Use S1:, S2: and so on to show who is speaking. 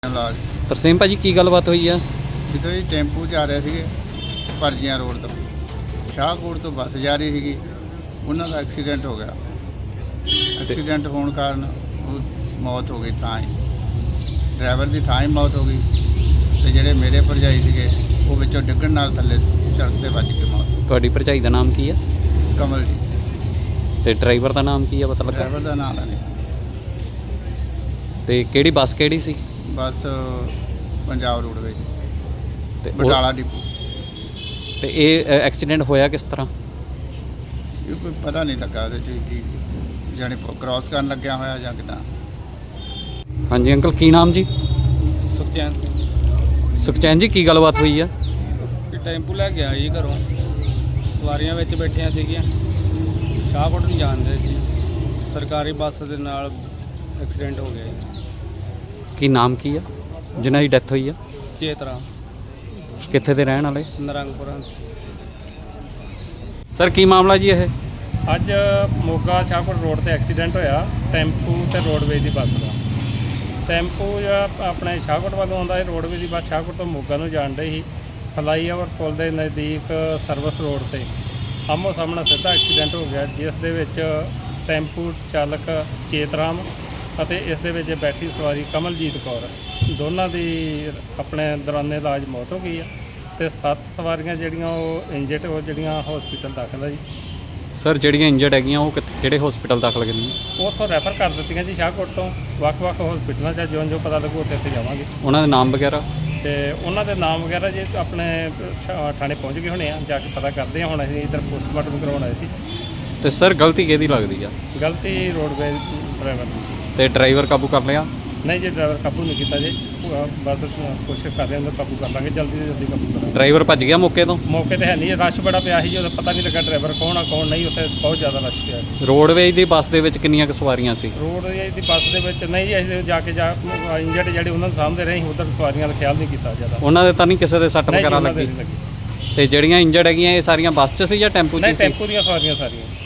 S1: ਲਾਜ
S2: ਤਰਸੇਮ ਭਾਜੀ ਕੀ ਗੱਲਬਾਤ ਹੋਈ ਆ?
S1: ਜਿੱਦੋਂ ਜੀ ਟੈਂਪੂ 'ਚ ਆ ਰਹੇ ਸੀਗੇ ਭਰਜੀਆਂ ਰੋਡ ਤੋਂ ਸ਼ਾਹਕੋਟ ਤੋਂ ਬੱਸ ਜਾ ਰਹੀ ਸੀਗੀ, ਉਹਨਾਂ ਦਾ ਐਕਸੀਡੈਂਟ ਹੋ ਗਿਆ। ਐਕਸੀਡੈਂਟ ਹੋਣ ਕਾਰਨ ਉਹ ਮੌਤ ਹੋ ਗਈ ਥਾਂ ਹੀ, ਡਰਾਈਵਰ ਦੀ ਥਾਂ ਹੀ ਮੌਤ ਹੋ ਗਈ ਤੇ ਜਿਹੜੇ ਮੇਰੇ ਭਰਜਾਈ ਸੀਗੇ ਉਹ ਵਿੱਚੋਂ ਡਿੱਗਣ ਨਾਲ ਥੱਲੇ ਸੜਕ 'ਤੇ ਵੱਜ ਕੇ ਮੌਤ।
S2: ਤੁਹਾਡੀ ਭਰਜਾਈ ਦਾ ਨਾਮ ਕੀ ਆ?
S1: ਕਮਲ ਜੀ।
S2: ਤੇ ਡਰਾਈਵਰ ਦਾ ਨਾਮ ਕੀ ਆ, ਪਤਾ ਲੱਗਾ?
S1: ਡਰਾਈਵਰ ਦਾ ਨਾਮ ਨਹੀਂ।
S2: ਤੇ ਕਿਹੜੀ ਬੱਸ ਕਿਹੜੀ ਸੀ?
S1: ਬੱਸ ਪੰਜਾਬ ਰੋਡਵੇਜ਼
S2: ਤੇ
S1: ਬਟਾਲਾ ਡਿਪੂ।
S2: ਤੇ ਇਹ ਐਕਸੀਡੈਂਟ ਹੋਇਆ ਕਿਸ ਤਰ੍ਹਾਂ?
S1: ਇਹ ਕੋਈ ਪਤਾ ਨਹੀਂ ਲੱਗਾ ਉਹਦੇ 'ਚ ਕੀ ਜਾਣੀ ਕ੍ਰਾਸ ਕਰਨ ਲੱਗਿਆ ਹੋਇਆ ਜਾਂ ਕਿੱਦਾਂ।
S2: ਹਾਂਜੀ ਅੰਕਲ ਕੀ ਨਾਮ ਜੀ?
S3: ਸੁਖਚੈਨ ਸਿੰਘ।
S2: ਸੁਖਚੈਨ ਜੀ ਕੀ ਗੱਲਬਾਤ ਹੋਈ ਆ?
S3: ਕਿ ਟੈਂਪੂ ਲੈ ਕੇ ਆਈ ਘਰੋਂ, ਸਵਾਰੀਆਂ ਵਿੱਚ ਬੈਠੀਆਂ ਸੀਗੀਆਂ, ਸ਼ਾਹਕੋਟ ਨੂੰ ਜਾਂਦੇ ਸੀ, ਸਰਕਾਰੀ ਬੱਸ ਦੇ ਨਾਲ ਐਕਸੀਡੈਂਟ ਹੋ ਗਿਆ ਜੀ।
S2: ਕੀ ਨਾਮ ਕੀ ਆ ਜਿਨ੍ਹਾਂ ਦੀ ਡੈਥ ਹੋਈ ਆ?
S3: ਚੇਤਰਾ,
S2: ਕਿੱਥੇ ਦੇ ਰਹਿਣ ਵਾਲੇ?
S3: ਨਰੰਗਪੁਰਾ।
S2: ਸਰ ਕੀ ਮਾਮਲਾ ਜੀ ਇਹ?
S3: ਅੱਜ ਮੋਗਾ ਸ਼ਾਹਕੋਟ ਰੋਡ ਤੇ ਐਕਸੀਡੈਂਟ ਹੋਇਆ ਟੈਂਪੂ ਤੇ ਰੋਡਵੇਜ਼ ਦੀ ਬੱਸ ਦਾ। ਟੈਂਪੂ ਜਿਹੜਾ ਆਪਣੇ ਸ਼ਾਹਕੋਟ ਵੱਲੋਂ ਆਉਂਦਾ ਹੈ, ਰੋਡਵੇਜ਼ ਦੀ ਬੱਸ ਸ਼ਾਹਕੋਟ ਤੋਂ ਮੋਗਾ ਨੂੰ ਜਾਣ ਡਈ ਸੀ। ਫਲਾਈਓਵਰ ਪੁਲ ਦੇ ਨਜ਼ਦੀਕ ਸਰਵਿਸ ਰੋਡ ਤੇ ਆਮੋ ਸਾਹਮਣੇ ਸਿੱਧਾ ਐਕਸੀਡੈਂਟ ਹੋ ਗਿਆ, ਜਿਸ ਦੇ ਵਿੱਚ ਟੈਂਪੂ ਚਾਲਕ ਚੇਤਰਾਮ ਅਤੇ ਇਸ ਦੇ ਵਿੱਚ ਬੈਠੀ ਸਵਾਰੀ ਕਮਲਜੀਤ ਕੌਰ, ਦੋਨਾਂ ਦੀ ਆਪਣੇ ਦੌਰਾਨੇ ਇਲਾਜ ਮੌਤ ਹੋ ਗਈ ਆ ਤੇ 7 ਸਵਾਰੀਆਂ ਜਿਹੜੀਆਂ ਉਹ ਇੰਜਰਡ, ਉਹ ਜਿਹੜੀਆਂ ਹਸਪੀਟਲ ਦਾਖਲ ਆ ਜੀ।
S2: ਸਰ ਜਿਹੜੀਆਂ ਇੰਜਰਡ ਹੈਗੀਆਂ ਉਹ ਕਿਹੜੇ ਹਸਪੀਟਲ ਦਾਖਲ ਕਰੀਆਂ?
S3: ਉਹ ਉੱਥੋਂ ਰੈਫਰ ਕਰ ਦਿੱਤੀਆਂ ਜੀ ਸ਼ਾਹਕੋਟ ਤੋਂ ਵੱਖ-ਵੱਖ ਹਸਪੀਟਲਾਂ 'ਚ, ਜੋ ਪਤਾ ਲੱਗੂ ਉੱਥੇ ਜਾਵਾਂਗੇ।
S2: ਉਹਨਾਂ ਦੇ ਨਾਮ ਵਗੈਰਾ?
S3: ਤੇ ਉਹਨਾਂ ਦੇ ਨਾਮ ਵਗੈਰਾ ਜੀ ਆਪਣੇ ਥਾਣੇ ਪਹੁੰਚ ਗਏ ਹੋਣੇ ਆ, ਜਾ ਕੇ ਪਤਾ ਕਰਦੇ ਆ। ਹੁਣ ਅਸੀਂ ਇੱਧਰ ਪੋਸਟਮਾਰਟਮ ਕਰਵਾਉਣ ਆਏ ਸੀ।
S2: ਤੇ ਸਰ ਗਲਤੀ ਕਿਹਦੀ ਲੱਗਦੀ ਆ?
S3: ਗਲਤੀ ਰੋਡਵੇਜ਼ ਡਰਾਈਵਰ ਦੀ।
S2: ਤੇ ਡਰਾਈਵਰ ਕਾਬੂ ਕਰ ਲਿਆ?
S3: ਨਹੀਂ ਜੀ, ਡਰਾਈਵਰ ਕਾਬੂ ਨਹੀਂ ਕੀਤਾ ਜੀ, ਬਸ ਕੋਸ਼ਿਸ਼ ਕਰ ਰਹੇ ਹਾਂ ਕਾਬੂ ਕਰ ਲਾਂਗੇ, ਜਲਦੀ ਤੋਂ ਜਲਦੀ ਕਾਬੂ ਕਰਾਂਗੇ।
S2: ਡਰਾਈਵਰ ਭੱਜ ਗਿਆ ਮੌਕੇ ਤੋਂ?
S3: ਮੌਕੇ ਤੇ ਹੈ ਨਹੀਂ, ਰਸ਼ ਬੜਾ ਪਿਆ ਸੀ ਜੀ, ਉਹਦਾ ਪਤਾ ਨਹੀਂ ਲੱਗਾ ਡਰਾਈਵਰ ਕੌਣ ਆ ਕੌਣ ਨਹੀਂ, ਉੱਥੇ ਬਹੁਤ ਜ਼ਿਆਦਾ ਰਸ਼ ਪਿਆ ਸੀ।
S2: ਰੋਡਵੇਜ਼ ਦੀ ਬੱਸ ਦੇ ਵਿੱਚ ਕਿੰਨੀਆਂ ਕੁ ਸਵਾਰੀਆਂ ਸੀ?
S3: ਰੋਡਵੇਜ਼ ਦੀ ਬੱਸ ਦੇ ਵਿੱਚ ਨਹੀਂ ਜੀ, ਅਸੀਂ ਜਾ ਕੇ ਇੰਜਰਡ ਜਿਹੜੇ ਉਹਨਾਂ ਨੂੰ ਸਾਂਭਦੇ ਰਹੇ, ਉੱਧਰ ਸਵਾਰੀਆਂ ਦਾ ਖਿਆਲ ਨਹੀਂ ਕੀਤਾ ਜ਼ਿਆਦਾ।
S2: ਉਹਨਾਂ ਦੇ ਤਾਂ ਨਹੀਂ ਕਿਸੇ ਦੇ ਸੱਟ
S3: ਨਹੀਂ ਜੀ,
S2: ਵਗੈਰਾ
S3: ਉਹਨਾਂ ਦੇ
S2: ਲੱਗੀ?
S3: ਨਹੀਂ ਲੱਗੀ।
S2: ਤੇ ਜਿਹੜੀਆਂ ਇੰਜਰਡ ਹੈਗੀਆਂ ਇਹ ਸਾਰੀਆਂ ਬੱਸ 'ਚ ਸੀ ਜਾਂ ਟੈਂਪੂ 'ਚ
S3: ਨਹੀਂ,
S2: ਸੀ?
S3: ਟੈਂਪੂ ਦੀਆਂ ਸਵਾਰੀਆਂ ਸਾਰੀਆਂ।